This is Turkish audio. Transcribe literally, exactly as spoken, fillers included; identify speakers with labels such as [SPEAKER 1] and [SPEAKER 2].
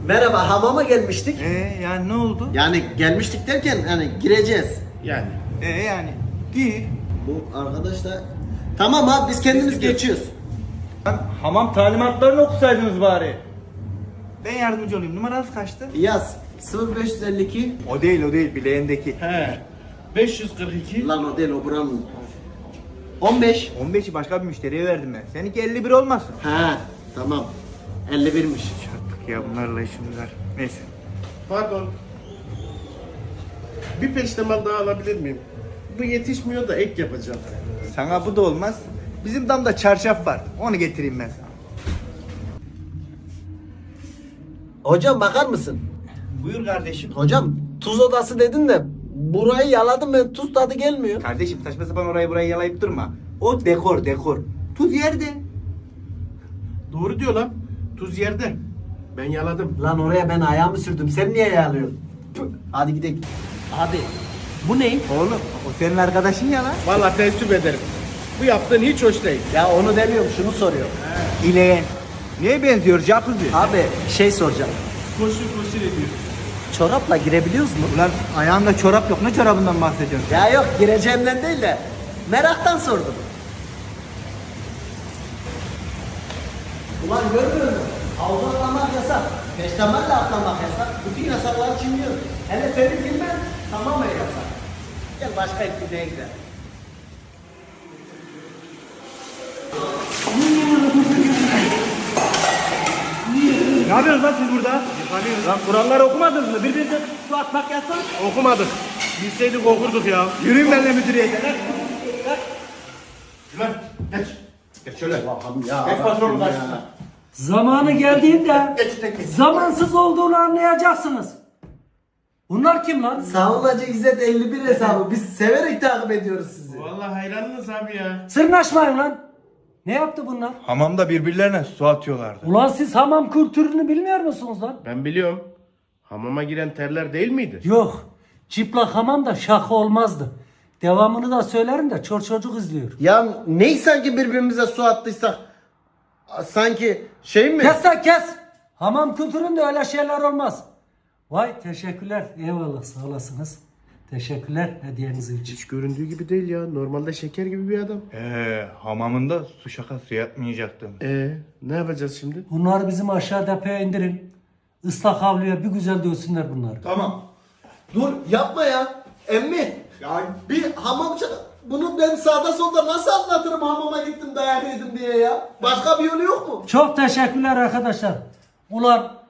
[SPEAKER 1] Merhaba, hamama gelmiştik.
[SPEAKER 2] Ee yani ne oldu?
[SPEAKER 1] Yani gelmiştik derken hani gireceğiz.
[SPEAKER 3] Yani.
[SPEAKER 2] Ee yani gir.
[SPEAKER 1] Bu arkadaş da... Tamam abi biz kendimiz geçiyoruz.
[SPEAKER 2] Lan hamam talimatlarını okusaydınız bari. Ben yardımcı olayım. Numaranız kaçtı?
[SPEAKER 1] Yaz sıfır beş elli iki.
[SPEAKER 2] O değil o değil bileğindeki.
[SPEAKER 3] He. beş yüz kırk iki.
[SPEAKER 1] Lan o değil, o buranın. on beş.
[SPEAKER 2] on beşi başka bir müşteriye verdim ben. Seninki elli bir olmasın?
[SPEAKER 1] Ha tamam. elli birmiş.
[SPEAKER 2] Çattık ya bunlarla işimiz var. Neyse.
[SPEAKER 3] Pardon. Bir peştemal daha alabilir miyim? Bu yetişmiyor da ek yapacağım.
[SPEAKER 2] Sana bu da olmaz. Bizim damda çarşaf var. Onu getireyim ben sana.
[SPEAKER 1] Hocam bakar mısın?
[SPEAKER 2] Buyur kardeşim.
[SPEAKER 1] Hocam tuz odası dedin de burayı yaladım ben, tuz tadı gelmiyor.
[SPEAKER 2] Kardeşim saçma sapan orayı burayı yalayıp durma. O dekor dekor. Tuz yerde.
[SPEAKER 3] Doğru diyor lan. Tuz yerde. Ben yaladım.
[SPEAKER 1] Lan oraya ben ayağımı sürdüm, sen niye yalıyorsun? Püh, hadi gidelim. Abi bu ne?
[SPEAKER 2] Oğlum o senin arkadaşın ya lan.
[SPEAKER 3] Vallahi teessüp ederim. Bu yaptığın hiç hoş değil.
[SPEAKER 1] Ya onu demiyorum, şunu soruyor.
[SPEAKER 2] İleyen. Neye benziyor jacuzzi?
[SPEAKER 1] Abi şey soracağım.
[SPEAKER 3] Koşur koşur ediyor.
[SPEAKER 1] Çorapla girebiliyoruz mu?
[SPEAKER 2] Ulan ayağında çorap yok. Ne çorabından bahsediyorsun?
[SPEAKER 1] Ya yok, gireceğimden değil de meraktan sordum. Ulan görmüyor musun? Havuza atlamak yasak. Peştemalle atlamak yasak. Bütün yasakları çiğniyor. Hele senin bilmem tamamen yasak. Gel başka etkinliğe gidelim.
[SPEAKER 2] Ne yapıyorsunuz lan siz burada? Lan kuralları okumadınız mı? Birbirinize su atmak yasak.
[SPEAKER 3] Okumadık. Bilseydik okurduk ya.
[SPEAKER 2] Yürüyün benimle müdüriyete.
[SPEAKER 3] Lan geç. Geç şöyle.
[SPEAKER 1] Ya,
[SPEAKER 3] Geç patronun karşısına.
[SPEAKER 4] Zamanı geldiğinde
[SPEAKER 3] Geç tek geç.
[SPEAKER 4] zamansız olduğunu anlayacaksınız. Bunlar kim lan?
[SPEAKER 1] Savunmacı İzzet elli bir hesabı. Biz severek takip ediyoruz sizi.
[SPEAKER 3] Vallahi hayranınız abi ya.
[SPEAKER 4] Sırnaşmayın lan. Ne yaptı bunlar?
[SPEAKER 2] Hamamda birbirlerine su atıyorlardı.
[SPEAKER 4] Ulan siz hamam kültürünü bilmiyor musunuz lan?
[SPEAKER 3] Ben biliyorum. Hamama giren terler değil miydi?
[SPEAKER 4] Yok. Çıplak hamam da şaka olmazdı. Devamını da söylerim de çor çocuk izliyor.
[SPEAKER 1] Ya ney sanki birbirimize su attıysak? Sanki şey mi?
[SPEAKER 4] Kes lan kes. Hamam kültüründe öyle şeyler olmaz. Vay teşekkürler. Eyvallah sağ olasınız. Teşekkürler hediyeniz için.
[SPEAKER 3] Hiç göründüğü gibi değil ya. Normalde şeker gibi bir adam.
[SPEAKER 2] Ee, hamamında su şakası yapmayacaktım.
[SPEAKER 3] Ee, ne yapacağız şimdi?
[SPEAKER 4] Bunları bizim aşağı depoya indirin. Islak havluya bir güzel dövsünler bunları.
[SPEAKER 2] Tamam.
[SPEAKER 1] Dur yapma ya. Emmi. Ya bir hamamcı, bunu ben sağda solda nasıl anlatırım hamama gittim dayak yedim diye ya? Başka bir yolu yok mu?
[SPEAKER 4] Çok teşekkürler arkadaşlar. Ulan